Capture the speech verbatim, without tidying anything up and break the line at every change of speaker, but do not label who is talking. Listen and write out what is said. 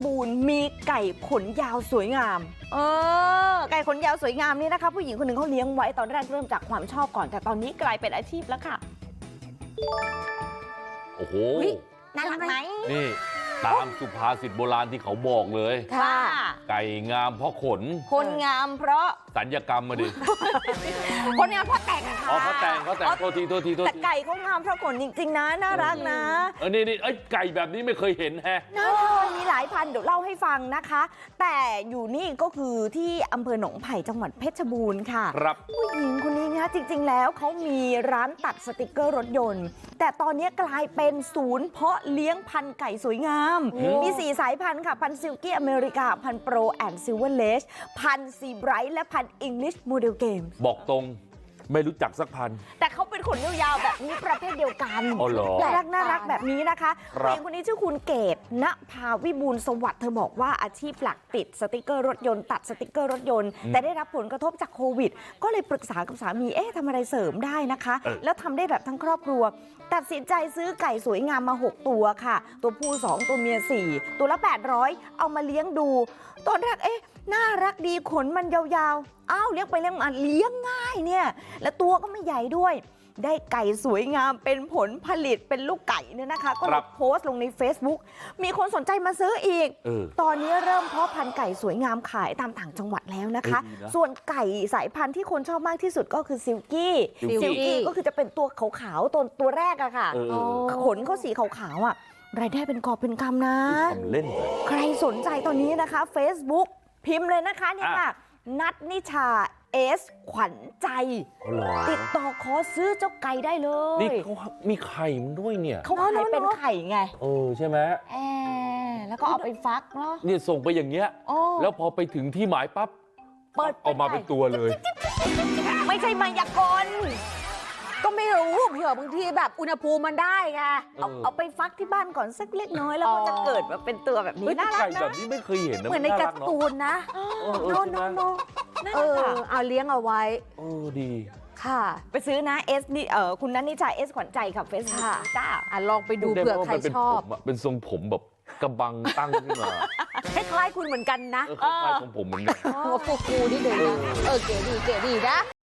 บูรณ์มีไก่ขนยาวสวยงามเออไก่ขนยาวสวยงามนี่นะคะผู้หญิงคนหนึ่งเขาเลี้ยงไว้ตอนแรกเริ่มจากความชอบก่อนแต่ตอนนี้กลายเป็นอาชีพแล้วค่ะ
โอ้โห
น่ารักไหม
นี่ตามสุภาษิตโบราณที่เขาบอกเลย
ค่ะ
ไก่งามเพราะขน
คนงามเพราะ
สัญญกรรมมาดิ
คนงามเพราะแต่งค่ะ
อ๋อเขาแต่งเขาแต่งโทษทีโทษทีโทษที
แต่ไก่เขางามเพราะขนจริงๆนะน่ารักนะ
เออนี่นี่ไอ้ไก่แบบนี้ไม่เคยเห็นแฮะ
น่ารักมีหลายพันเดี๋ยวเล่าให้ฟังนะคะแต่อยู่นี่ก็คือที่อำเภอหนองไผ่จังหวัดเพชรบูรณ์ค่ะ
ครับ
ผู้หญิงคนนี้นะจริงๆแล้วเขามีร้านตัดสติกเกอร์รถยนต์แต่ตอนนี้กลายเป็นศูนย์เพาะเลี้ยงพันธุ์ไก่สวยงามมีสี่สายพันธุ์ค่ะพันธุ์ซิลกี้อเมริกาพันธุ์โปรแอนด์ซิลเวอร์เลชพันธุ์ซีไบรท์และพันธุ์อิงลิชโมเดลเกม
บอกตรงไม่รู้จักสักพัน
แต่เขาเป็นขนยาวๆแบบนี้ประเภทเดียวกันน่ารักน่ารักแบบนี้นะคะผู้หญิงคนนี้ชื่อคุณเกตณภาวิบูลย์สวัสดิ์เธอบอกว่าอาชีพหลักติดสติกเกอร์รถยนต์ตัดสติกเกอร์รถยนต์แต่ได้รับผลกระทบจากโควิดก็เลยปรึกษากับสามีเอ๊ะทำอะไรเสริมได้นะคะแล้วทำได้แบบทั้งครอบครัวตัดสินใจซื้อไก่สวยงามมาหกตัวค่ะตัวผู้สองตัวเมียสี่ตัวละแปดร้อยเอามาเลี้ยงดูตอนแรกเอ๊ะน่ารักดีขนมันยาวๆอ้าวเลี้ยงไปเลี้ยงมาเลี้ยงง่ายเนี่ยและตัวก็ไม่ใหญ่ด้วยได้ไก่สวยงามเป็นผลผลิตเป็นลูกไก่เนี่ยนะคะก็เลยโพสต์ลงใน Facebook มีคนสนใจมาซื้ออีกตอนนี้เริ่มเพาะพันธุ์ไก่สวยงามขายตามต่างจังหวัดแล้วนะคะส่วนไก่สายพันธุ์ที่คนชอบมากที่สุดก็คือซิลกี้ซิลกี้ก็คือจะเป็นตัวขาวๆตัวตัวแรกอะค่ะขนเขาสีขาวๆอะรายได้เป็นกอบเป็นกำนะ
เล่น
ใครสนใจตอนนี้นะคะ Facebook พิมพ์เลยนะคะนี่ค่ะนัทนิชาเอสขวัญใจติดต่อขอซื้อเจ้าไก่ได้เลย
นี่เขามีไข่มันด้วยเนี่ย
เขาขายเป็นไข่ไง
เออใช่ไหม
แอบแล้วก็เอาไปฟักเนาะ
เนี่ยส่งไปอย่างเงี้ยแล้วพอไปถึงที่หมายปั๊บ
เปิด
ออกมาเป็นตัวเลย
ไม่ใช่มายากลก็ไม่รู้เผื่อบางทีแบบอุณหภูมิมันได้ไงเอาเอาไปฟักที่บ้านก่อนสักเล็กน้อยแล้วมันจะเกิดมาเป็นตัวแบบนี้น่ารักนะ
ไก่แบบนี้ไม่เคยเห็นนะ
เหมือนในการ์ตูนนะ
โนโนโน
เออเอาเลี้ยงเอาไว้
เออดี
ค่ะไปซื้อนะเอสนี่เออคุณนัทนิชาเอสขวัญใจกับเฟซบุ๊กจ้า
อ่ะลองไปดูเผื่อใครชอบ
เป็นทรงผมแบบกระบังตั้งขึ้นมา
คล้ายๆคุณเหมือนกันนะ
คล้ายๆของผมเหมือนกัน
หัวฟูๆนี่เดี๋ยวนะเออเก๋ดีเก๋ดีนะ